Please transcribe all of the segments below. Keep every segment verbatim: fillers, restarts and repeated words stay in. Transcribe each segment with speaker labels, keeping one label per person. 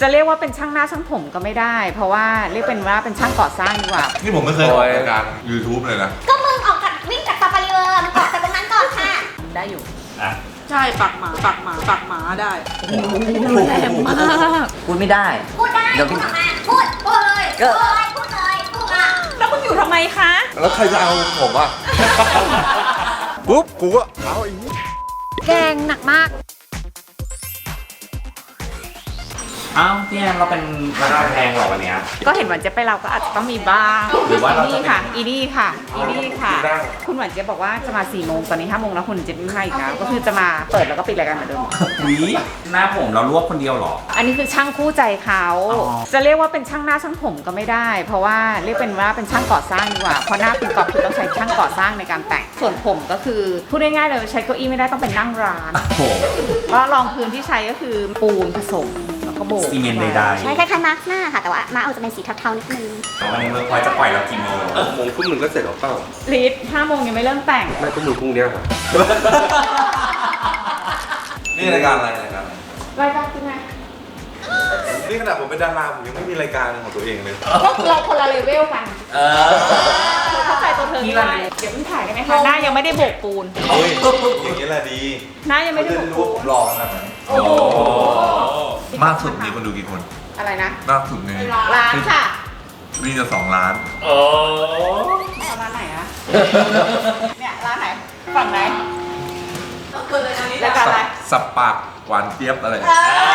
Speaker 1: จะเรียกว่าเป็นช่างหน้าช่างผมก็ไม่ได้ เพราะว่าเรียกเป็นว่าเป็นช่างก่อสร้างดีกว่า
Speaker 2: นี่ผมไม่เคยออกรายการ YouTube เลยนะ
Speaker 3: ก็มึงออกจากวิ่งจากซาฟารีเวอร์มึงออกจากตรงนั้นก่อนค่ะ
Speaker 1: ได้อยู่
Speaker 4: อ่ะใช่ปักหมาปักหมาปักหมาได้
Speaker 1: แรงมาก
Speaker 5: พูดไม่ได้
Speaker 3: พูดได้พูดออกมาพูดพูดเลยพูดเลยพูดเลยพูดอ่ะ
Speaker 1: แล้วมึงอยู่ทำไมคะ
Speaker 2: แล้วใครจะเอาผมอ่ะ ปุ๊บกูก็เอาอีก
Speaker 1: แกงหนักมาก
Speaker 4: อ้าวพี่แอนเราเป็นราคาแพงเหรอวันเนี้ย
Speaker 1: ก็เห็นหวานเจี๊ยบไปเราก็อาจจะต้องมีบ้าง
Speaker 4: หรือว่าเราจะ
Speaker 1: นี่ค่ะอีนี่ค่ะอีนี่ค่ะคุณหวานเจี๊ยบบอกว่าจะมาสี่โมงตอนนี้ห้าโมงแล้วคุณเจี๊ยบไม่มาอีกแล้วก็คือจะมาเปิดแล้วก็ปิดรายการเหมือนเดิม
Speaker 4: วิหน้าผมเราลวกคนเดียวเหรอ
Speaker 1: อันนี้คือช่างคู่ใจเขาจะเรียกว่าเป็นช่างหน้าช่างผมก็ไม่ได้ เพราะว่าเรียกเป็นว่าเป็นช่างก่อสร้างดีกว่าเพราะหน้าคุณกอบคือต้องใช้ช่างก่อสร้างในการแต่งส่วนผมก็คือพูดง่ายๆเลยใช้เก้าอี้ไม่ได้ต้องเป็นนั่งร้านเพราะรองพื้นที่ใช้ก็คือปูนผสมแล้วก็โบก
Speaker 4: ซีเมนต์ใดๆ
Speaker 3: ใช่คล้ายๆมาร์กหน้าค่ะแต่ว่ามาร์กเอาจะเป็นสีเทาๆนิดนึง
Speaker 4: วันนี้เมื่อพลอยจะปล่อยเรากี่โมง
Speaker 6: โมงทุ่มหนึ่งก็เสร็จแล้วเปล่า
Speaker 1: ลิศห้าโมงยังไม่เริ่มแต่ง
Speaker 6: ไม่ก็มือพรุ่งนี้ครับ
Speaker 2: นี่รายการอะไรรายการ
Speaker 1: รายการคือไง
Speaker 2: นี่ขนาดผมเป็นดาราผมยังไม่มีรายการของตัวเองเลย
Speaker 1: ก็เราคนละเลเวลกัน
Speaker 4: เออ
Speaker 1: เข้าใจตัวเธอได้เดี๋ยวมึงถ่ายได้ไหมคะหน้ายังไม่ได้โบกปูน
Speaker 2: เฮ้ยอย่างนี้แหละดี
Speaker 1: หน้ายังไม่ได้โบกปูน
Speaker 2: รอขนาดนั้นโอ้มากสุดมีคนดูกี่คน
Speaker 1: อะไรนะ
Speaker 2: มากสุดใน
Speaker 1: ร้านค่ะ
Speaker 2: มีจะสองล้าน
Speaker 4: โอ้
Speaker 1: ร้านไหนอะเนี่ยร้านไหนฝั่งไหนรายการอะไร
Speaker 2: สับปากหวานเจี๊ยบอะไร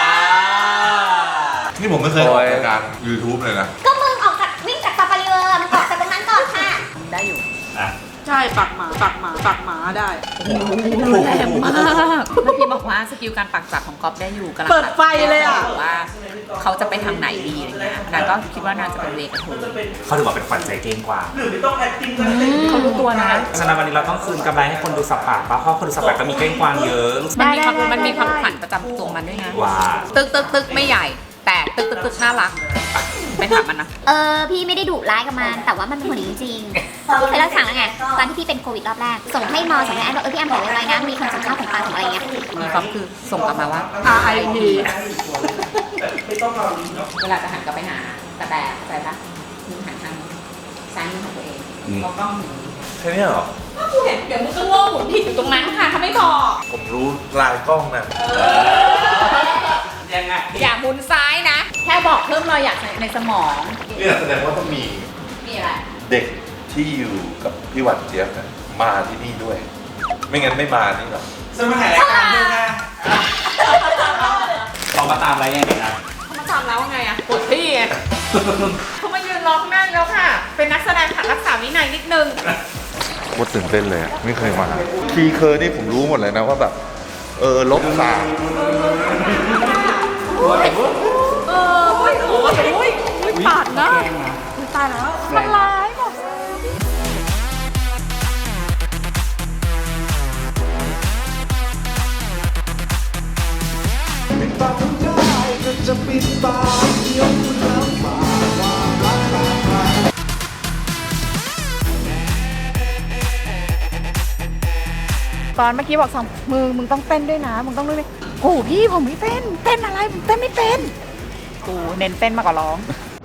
Speaker 2: นี่ผมไม่เคยออกรายการ YouTube เลยนะ
Speaker 3: ก็มึงออกจากวิ่งจากซาฟารีเวอร์มึงออกจากตรงนั้นก่อนค่ะ
Speaker 1: ได้อยู่
Speaker 4: อ่ะ
Speaker 1: ใช่ปักหมาปักหมาปักหมาได้แรงมากเมื่อกี้บอกว่าสกิลการปักจับของก๊อฟได้อยู่กำลังเปิดไฟเลยอ่ะว่าเขาจะไปทางไหนดีอะไรเงี้ยนางก็คิดว่านางจะเป็นเวกระทู
Speaker 4: เขาถือว่าเป็นฝันใจเก่งกว่า
Speaker 1: เขารู้ตัวนะ
Speaker 4: ฉะนั้นวันนี้เราต้องคืนกำไรให้คนดูสับปากเพราะคนดูสับปากก็มีเก้งกวางเยอะ
Speaker 1: มันมีความมันมีความฝันประจำตัวมันด้วยนะ
Speaker 4: ว่า
Speaker 1: ตึกตึกตึกไม่ใหญ่แต่ตึกตึกตึกน่ารักไปถามมันนะ
Speaker 3: เออพี่ไม่ได้ดุร้ายกับมันแต่ว่ามันเป็นคนจริงๆพี่เคยเล่าให้ฟังแล้วไงตอนที่พี่เป็นโควิดรอบแรกส่งให้มอส่งให้แอนบอกเออพี่แอนบอกไว้นะมีคนส่งข้าวของปลาของอะไรเงี้ย
Speaker 1: มีความคือส่งกลับมาว่า R I P เวลาจะหันกลับไปหาแต่แต่ใจปะมึงหันทางซ้ายมือของตัวเองก็กล้องหนี
Speaker 2: แค่นี้เหรอ
Speaker 1: ถ้ากูเห็นเดี๋ยวมึงก็โง่หมุนผิดอยู่ตรงนั้นค่ะถ้าไม่บอก
Speaker 2: ผมรู้ลายกล้องนะ
Speaker 4: ยังไง
Speaker 1: อย่าหมุนซ้ายนะแค่บอกเพิ่มรอยหยักในสมอง
Speaker 2: นี่แสดงว่าต้องมี
Speaker 1: มีอะไร
Speaker 2: เด็กที่อยู่กับพี่หวานเจี๊ยบมาที่นี่ด้วยไม่งั้นไม่มานี่หรอ
Speaker 4: จะมาถ่ายรายการด้วยนะเขามาตามอะไรยังไงนะ
Speaker 1: เขามาตามแล้วว่าไงอะปวดพี่ไงเขามายืนร้องหน้าแล้วค่ะเป็นนักแสดงขัดรักษาวินัยนิดนึง
Speaker 2: ว่าตื่นเต้นเลยไม่เคยมาคีย์เคอร์นี่ผมรู้หมดเลยนะว่าแบบเออลบสาม
Speaker 1: เออโอ้ยโอ้ยโอ้ยปาดนะตายแล้วมันร้ายบอก
Speaker 7: ปิดปากไม่ได้ก็จะปิดปากยกมือแล้วฝากความรักมา
Speaker 1: ตอนเมื่อกี้บอกสองมือมึงต้องเต้นด้วยนะมึงต้องด้วยโอ้พี่ผมไม่เต้นเต้นอะไรผมเต้นไม่เป็นกูเน้นเต้นมากกว่าร้อง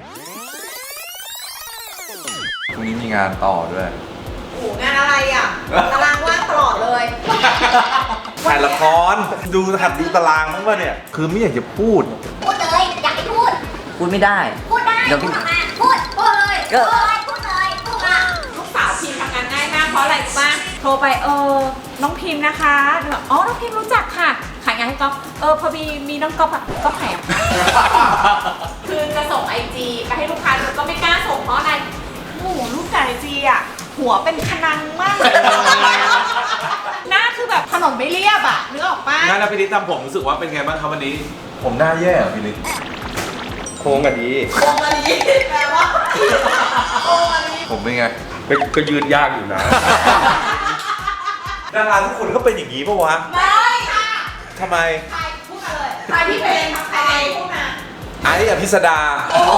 Speaker 2: พรุ่งนี้มีงานต่อด้วย
Speaker 1: โอ้งานอะไรอ่ะตารางว่างตลอดเลย
Speaker 2: ถ่ายละครดูหัดดูตารางมั้งป่ะเนี่ยคือไม่อยากจะพูด
Speaker 3: พูดเลยอยากให้พูด
Speaker 5: พูดไม่ได้
Speaker 3: พูดได้พูดออกมาพูดพูดเลยพูดเลยพูดเลยพูดอ่ะ
Speaker 1: ลูกสาวพิมพ์ทำงานง่ายมากเพราะอะไรรู้ป่ะโทรไปเออน้องพิมพ์นะคะอ๋อน้องพิมพ์รู้จักค่ะขายงานให้ก๊อฟเออพอมีมีน้องก๊อฟอะก็แถมคือจะส่งไอจีไปให้ลูกค้าก็ไม่กล้าส่งเพราะอะไรโอ้โหลูกไอจีอะหัวเป็นขนังมากเลยหน้าคือแบบถนนไม่เรียบอะนึกออกป่ะ
Speaker 4: งั้นแล้วพี่ลิศทำผมรู้สึกว่าเป็นไงบ้างครับวันนี้
Speaker 2: ผมหน้าแย่เหรอพี่ลิศ
Speaker 6: โค้งกันดี
Speaker 1: โค้งกันดีแปลว่าโค้งกันดี
Speaker 2: ผมเป็นไง
Speaker 6: ก็ยืนยากอยู่นะ
Speaker 2: ดาราทุกคนก็เป็นอย่างนี้ปะวะ
Speaker 1: ไม่ค่ะ
Speaker 2: ทำไม
Speaker 1: ใครพูดมาเลยใครที่เป็นใครพูดมา
Speaker 2: ไอ้อภิสดา
Speaker 1: โอ้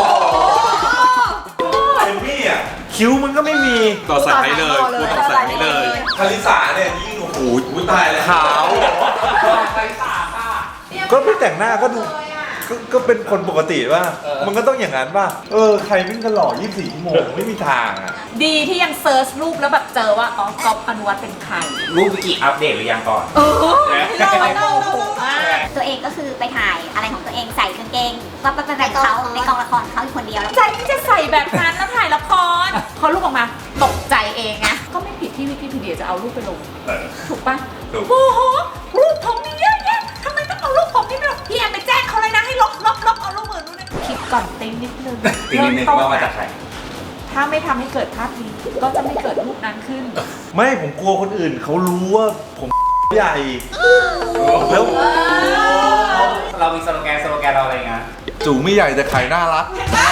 Speaker 2: เอมมี่อ่ะคิ้วมันก็ไม่มี
Speaker 4: ต่อใส่ให้เลยกูต่อใส่ให้เลย
Speaker 2: คาริสาเนี่ยยิ่งโอ้โหตายเลยขาว
Speaker 4: คาริสาค่ะ
Speaker 2: ก็ไม่แต่งหน้าก็ดูก็ก็เป็นคนปกติป่ะมันก็ต้องอย่างนั้นป่ะเออใครไม่ก็หล่อยี่สิบสี่ชั่วโมงไม่มีทางอ่ะ
Speaker 1: ดีที่ยังเซิร์ชรูปแล้วแบบเจอว่าอ๋อก๊อฟอนุวัฒน์เป็นใคร
Speaker 4: รูปวิกิอัปเดตหรือยังก่อน
Speaker 1: เออเราเราโหมาก
Speaker 3: ตัวเองก็คือไปถ่ายอะไรของตัวเองใส่กางเกงว่าไปแบบเขาในกองละครเขาอยู่คนเดียวแล้ว
Speaker 1: ใจที่จะใส่แบบนั้นแล้วถ่ายละครพอรูปออกมาตกใจเองนะก็ไม่ผิดที่วิกิพีเดียจะเอารูปไปลง
Speaker 4: เออ
Speaker 1: ถูกปะ
Speaker 4: ถูก
Speaker 1: โอ้โหรูปผมนี่เยอะแยะทำไมต้องเอารูปผมนี่ไปลงพี่แอมไปแจ้งเขาเลยนะให้ลบลบลบเอารูปอื่นนู่นนี่คิดก่อนติ้งนิดนึง
Speaker 4: ตีนิดนึงว่ามาจากใคร
Speaker 1: ถ้าไม่ทำให้เกิดภาพนี้ก็จะไม่เกิดรูปนั้นขึ้น
Speaker 2: ไม่ผมกลัวคนอื่นเขารู้ว่าผมใหญ่แล้ว
Speaker 4: เรามีสโลแกนสโลแกนเราอะไรเงี้ย
Speaker 2: จูไม่ใหญ่แต่ไข่น่ารัก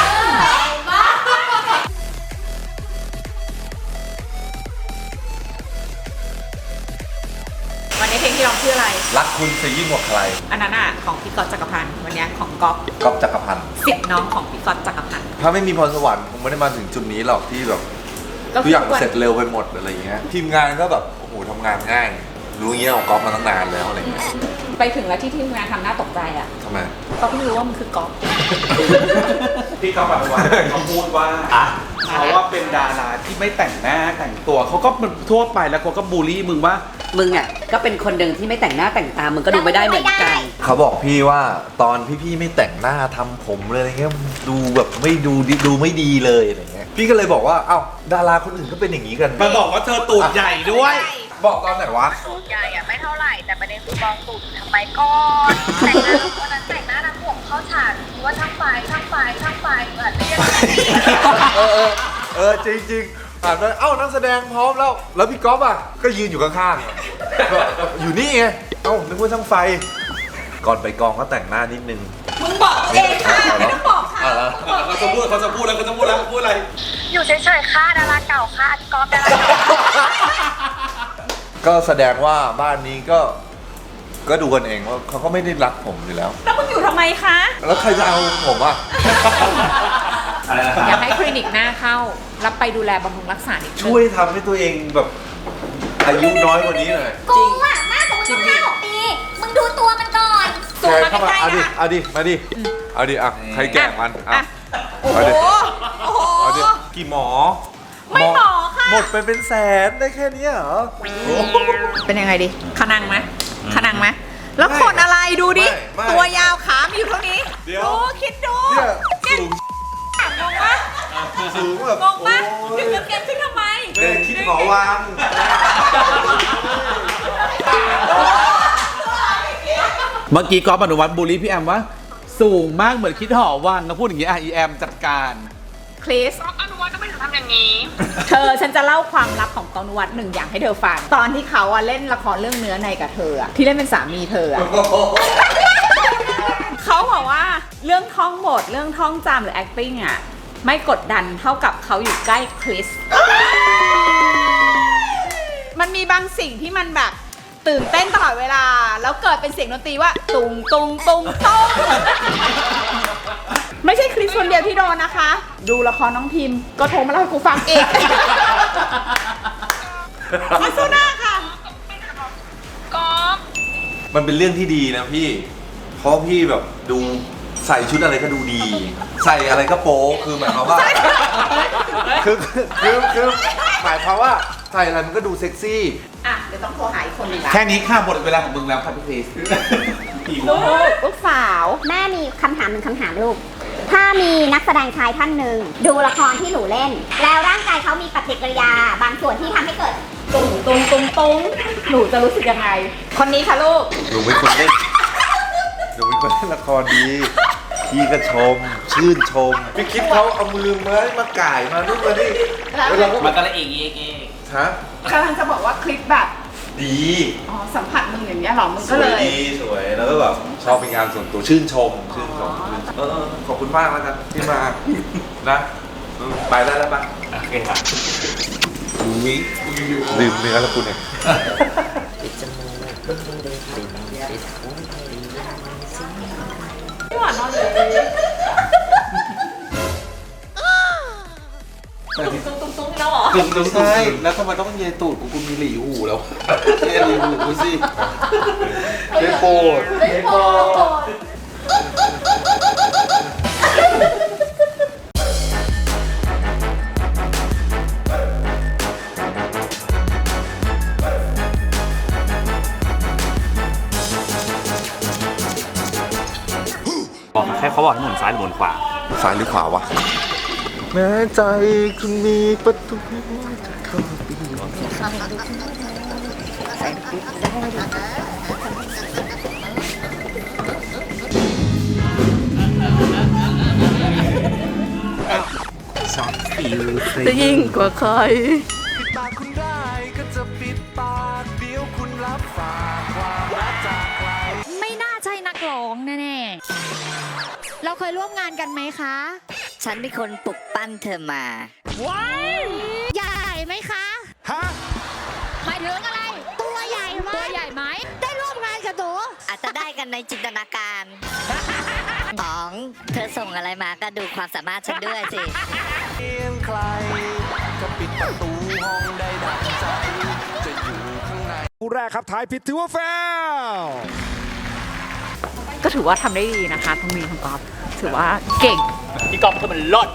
Speaker 1: วันนี้เพลงที่ร้องชื่ออะไร
Speaker 2: รักคุณจะยิ่งกว่าใคร
Speaker 1: อันนั้นอ่ะของพี่ก๊อตจักรพันธ์วันนี้ของก๊อฟ
Speaker 2: ก๊อฟจักรพันธ์
Speaker 1: เสียงน้องของพี่ก๊อตจักรพันธ์
Speaker 2: ถ้าไม่มีพรสวรรค์คงไม่ได้มาถึงจุดนี้หรอกที่แบบทุกอย่างเสร็จเร็วไปหมดอะไรอย่างเงี้ยทีมงานก็แบบโอ้โหทำงานง่าย รู้อย่างเงี้ยของก๊อฟมาตั้งนานแล้วอะไรเงี้ย
Speaker 1: ไปถึงแล้วที่ทีมงานทำหน้าตกใจอ่ะ
Speaker 2: ทำไม
Speaker 1: ก็เพิ่งรู้ว่ามันคือก๊อฟ
Speaker 6: พี่เขาบอกว่าเขาพูดว่าเขาว่าเป็นดาราที่ไม่แต่งหน้าแต่งตัวเขาก็มันทั่วไปแล้วเขาก็บูลลี่มึงว่า
Speaker 5: มึงอ่ะก็เป็นคนหนึ่งที่ไม่แต่งหน้าแต่งตา มึงก็ดูไม่ได้เหมือนกัน
Speaker 2: เขาบอกพี่ว่าตอนพี่ๆไม่แต่งหน้าทำผมเลยอะไรเงี้ยดูแบบไม่ดูดีดูไม่ดีเลยอะไรเงี้ยพี่ก็เลยบอกว่าเอ้าดาราคนอื่นก็เป็นอย่างนี้กัน
Speaker 6: มาบอกว่าเธอตูดใหญ่ด้วย
Speaker 2: บอกตอนไหนวะ
Speaker 8: ตูดใหญ่อะไม่เท่าไหร่แต่ประเด็นคือมองตูดทำไมก่อนแต่งหน้าวันนั้นแต่งหน้าทั้งผมเข้าฉากคิดว่าทั้งไฟทั้งไฟทั้งไฟเหมือนเรียก
Speaker 2: เออเออเออจริงจริงผ่านไปเอ้านักแสดงพร้อมแล้ว แล้วพี่ก๊อฟอ่ะก็ยืนอยู่ข้างๆอยู่นี่ไงเอ้านึกว่าช่างไฟ ก่อนไปกองก็แต่งหน้านิดนึง
Speaker 1: มึงบอกเองค่ะไม่ต้องบอกค่ะ
Speaker 6: เขาจะพูดเขาจะพูดแล้วเขาจะพูดแล้วพูดอะไร
Speaker 8: อยู่เฉยๆค่ะดาราเก่าค่ะพี่ก๊อฟดาราเก่า
Speaker 2: ก็แสดงว่าบ้านนี้ก็ก็ดูกันเองว่าเขาก็ไม่ได้รักผมอยู่แล้ว
Speaker 1: แล้วมึงอยู่ทำไมคะ
Speaker 2: แล้วใครจะเอาผมอ่ะ
Speaker 4: อะไรนะค
Speaker 1: อยา
Speaker 4: รั
Speaker 1: ก
Speaker 4: บ
Speaker 1: ให้คลินิกหน้าเข้า รับไปดูแลบำรุงรักษานิดนึง
Speaker 2: ช่วยทำให้ตัวเองแบบอายุน้อยกว่านี้หน่อย
Speaker 3: กูอ่ะมากกว่ามึงต้องห้าหกปี มึงดูตัวมันก่อน
Speaker 1: สูงมา
Speaker 2: เข้ามา
Speaker 1: ใกล้
Speaker 2: เอา
Speaker 1: ๆ
Speaker 2: ดิ
Speaker 1: นะ
Speaker 2: เอาดิมาดิเอาดิอ่ะใครแกล้งมันอ่ะ
Speaker 1: อ่ะโอ้โห
Speaker 2: เอาดิ
Speaker 1: โอ้โห
Speaker 2: เอาดิกี่หมอ
Speaker 1: ไม่หมอค่ะ
Speaker 2: หมดไปเป็นแสนได้แค่เนี้ยเหรอ
Speaker 1: เป็นยังไงดิขนังไหมขนังไหมแล้วขนอะไรดูดิ
Speaker 2: ไม่
Speaker 1: ตัวยาวขามีอยู่เท่านี้
Speaker 2: เดี๋ยว
Speaker 1: ดูคิดดู
Speaker 2: เนี่ยสูง
Speaker 1: งงปะ
Speaker 2: สูงแบบ
Speaker 1: งงปะ
Speaker 2: โอ้ย
Speaker 1: ดึงกางเกงขึ้นทำไม
Speaker 2: เนี่ยคิดหมอวาง
Speaker 6: เมื่อกี้ก๊อฟอนุวัฒน์บูลลี่พี่แอมว่า สูงมากเหมือนคิดหอวังนะพูดอย่างงี้อ่ะอีแอมจัดการ
Speaker 1: คริส
Speaker 8: อนุวัฒน์ก็ไม่ถึงทำอย่างนี้
Speaker 1: เธอฉันจะเล่าความลับของกองนวัดหนึ่งอย่างให้เธอฟัง ตอนที่เขาอะเล่นละครเรื่องเนื้อในกับเธออะที่เล่นเป็นสามีเธออะ เขาบอกว่าเรื่องท่องบทเรื่องท่องจำหรือ acting อะไม่กดดันเท่ากับเขาอยู่ใกล้คริส มันมีบางสิ่งที่มันแบบตื่นเต้นตลอดเวลา แล้วเกิดเป็นเสียงดนตรีว่า ตุงตุงตุงตุงไม่ใช่คริสคนเดียวที่โดนนะคะ ดูละครน้องพิมพ์ก็โทรมาเล่าให้กูฟังเองมาสู้หน้าค่ะ
Speaker 8: ก๊อฟ
Speaker 2: มันเป็นเรื่องที่ดีนะพี่ เพราะพี่แบบดูใส่ชุดอะไรก็ดูดี ใส่อะไรก็โป๊คือหมายความว่าคือคือคือหมายความว่าใส่อะไรมันก็ดูเซ็กซี่
Speaker 1: อ่ะ เดี๋ยวต้องโทรหาอีกคนหนึ่งละ
Speaker 6: แค่นี้ค่ะหมดเวลาของมึงแล้วค่ะพี่คริส
Speaker 1: ลูกลูกสาว
Speaker 3: แม่มีคำถามหนึ่งคำถามลูก ถ้ามีนักแสดงชายท่านหนึ่งดูละครที่หนูเล่น แล้วร่างกายเขามีปฏิกิริยา บางส่วนที่ทำให้เกิด
Speaker 1: ตุงตุงตุงตุงหนูจะรู้สึกยังไง คนนี้ค่ะลูก
Speaker 2: หนูเป็นคนเล่นหนูเป็นคนเล่นละครดี พี่ก็ชม ชื่นชม พี่คิดเขาเอามือมามาก่ายมานู่นมานี่
Speaker 1: แล้ว
Speaker 2: แล้วเราก็
Speaker 4: มันก็เลยเอกเอกเอก
Speaker 2: ฮะ
Speaker 1: กำลังจะบอกว่าคลิปแบบ
Speaker 2: ดี
Speaker 1: อ๋อ สัมผัสมึงอย่างเงี้ยเหรอ มึง
Speaker 2: ส
Speaker 1: ก็
Speaker 2: ว
Speaker 1: เลย ย
Speaker 2: ดีสวย แล้วก็แบบชอบเป็นงานส่วนตัวชื่นชม ชื่นชมชื่นชมเออเออขอบคุณมากแล้วกันที่มา นะอืมไปได้แล้วปะ
Speaker 4: โอเคครับ
Speaker 2: ลืมเนื้อแล้วคุณเนี่ย
Speaker 1: พี่หวานนอนเลยตุ้งตุ้งตุ้งแล้วเหรอ
Speaker 6: ตุ้งตุ้งใช่แล้วทำไมต้องเยตูดกูกูมีหลีหูแล้วเยหลีหูกูสิ
Speaker 2: ไม่โปรด
Speaker 1: ไม่โปรด
Speaker 4: บอกให้หมุนซ้ายหรือหมุนขวา
Speaker 2: ซ้ายหรือขวาวะแม้ใจคุณมีประตูจะเข้าไป
Speaker 5: จะยิ่งกว่าใคร
Speaker 7: ปิดปากคุณได้ก็จะปิดปากเดี๋ยวคุณรับฝากความรักจากใคร
Speaker 3: ไม่น่าใช่นักร้องแน่ๆ เราเคยร่วมงานกันไหมคะ
Speaker 5: ฉันเป็นคนปลุกปั้นเธอมา
Speaker 3: ใหญ่ไหมคะ
Speaker 7: ฮะ
Speaker 3: หมายถึงอะไร ตัวใหญ่ไหมตัวใหญ่ไหม ได้ร่วมงานกับหนู
Speaker 5: อาจจะได้กันในจินตนาการสองเธอส่งอะไรมาก็ดูความสามารถฉันด้วยสิ
Speaker 7: เพียงใครจะปิดประตูห้องได้ดังใจ จะอยู่ข้างในผู้แรกครับทายผิดถือว่าแฟล
Speaker 1: ก็ถือว่าทำได้ดีนะคะทั้งมีทั้งกอล์ฟถือว่าเก่ง
Speaker 4: พี่กอล์ฟคือมันลด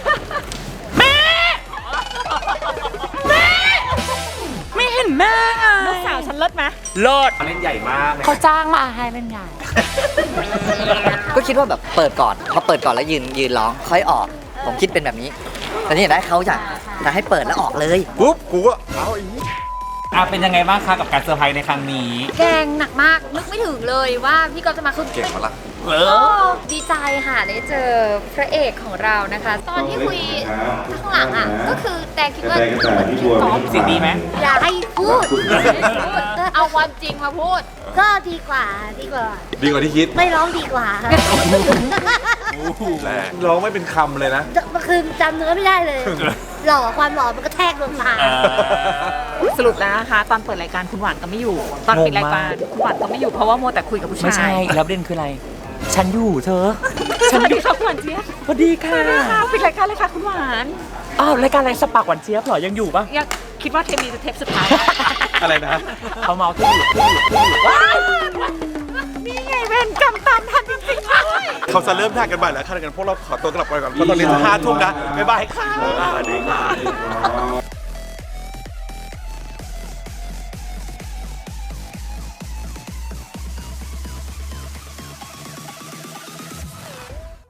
Speaker 1: ไม่เห็นแม่ไงลูกสาวฉันเลิศไหม
Speaker 4: ลดเล่นใหญ่มากเลย
Speaker 1: เขาจ้างมาให้เล่นใหญ่
Speaker 5: ก็คิดว่าแบบเปิดก่อนพอเปิดก่อนแล้วยืนยืนร้องค่อยออก ผมคิดเป็นแบบนี้ แต่นี่ได้เขาอยากจะให้เปิดแล้วออกเลย
Speaker 2: ปุ๊บกูก็เอาอีก
Speaker 4: อ่ะเป็นยังไงบ้างคะกับการเซอร์ไพรส์ในครั้งนี้
Speaker 3: แกงหนักมาก นึกไม่ถึงเลยว่าพี่กอล์ฟจะมาคือ
Speaker 2: เก่งมาละ
Speaker 4: เอ
Speaker 3: โอ้
Speaker 4: อ
Speaker 3: ดีใจค่ะได้เจอพระเอกของเรานะคะ ตอนที่คุยข้างหลังอ่ะ ก็คือแต่คิดว่าเหมือนพี่กอล์ฟ
Speaker 4: เสิ่งดีไหม
Speaker 3: อย่าให้พูด เอาความจริงมาพูด ก็ดีกว่าดีกว่า
Speaker 2: ดีกว่าที่คิด
Speaker 3: ไม่ร้องดีกว่าค่ะ
Speaker 2: แรงร้องไม่เป็นคำเลยนะ
Speaker 3: เมื่อคืนจำเนื้อไม่ได้เลย หล่อความหล่อมันก็แทกดวงตา
Speaker 1: สรุปแล้วนะคะ ตอนเปิดรายการคุณหวานก็ไม่อยู่ ตอนปิดรายการคุณหวานก็ไม่อยู่เพราะว่ามัวแต่คุยกับผู้ชาย
Speaker 4: ไม่ใช่แล้วประเด็นคืออะไร ฉันอยู่เธอ
Speaker 1: สวัสดีครับคุณหวานเจี๊ยบ
Speaker 4: สวัสดีค่ะ
Speaker 1: สวัสดีค่ะปิดรายการเลยค่ะคุณหวาน
Speaker 4: อ้าวรายการอะไรสปากหวานเจี๊ยบเหรอยังอยู่ปะ
Speaker 1: ยังคิดว่าเทปนี้จะเทปสุดท้าย
Speaker 6: อะไรนะ
Speaker 4: เขาเมาที่อยู่ที่อยู่ที่อยู่ว้าย
Speaker 1: นี่ไงเวรกรรมตามทันจริงๆด้วย
Speaker 6: เขาจะเริ่มถ่ายกันบ่ายแล้วค่ะกันพวกเราขอตัวกลับไปก่อนเพราะตอนนี้จะห้าทุ่มนะบ๊ายบายค่ะ
Speaker 2: สวัสดีค่ะ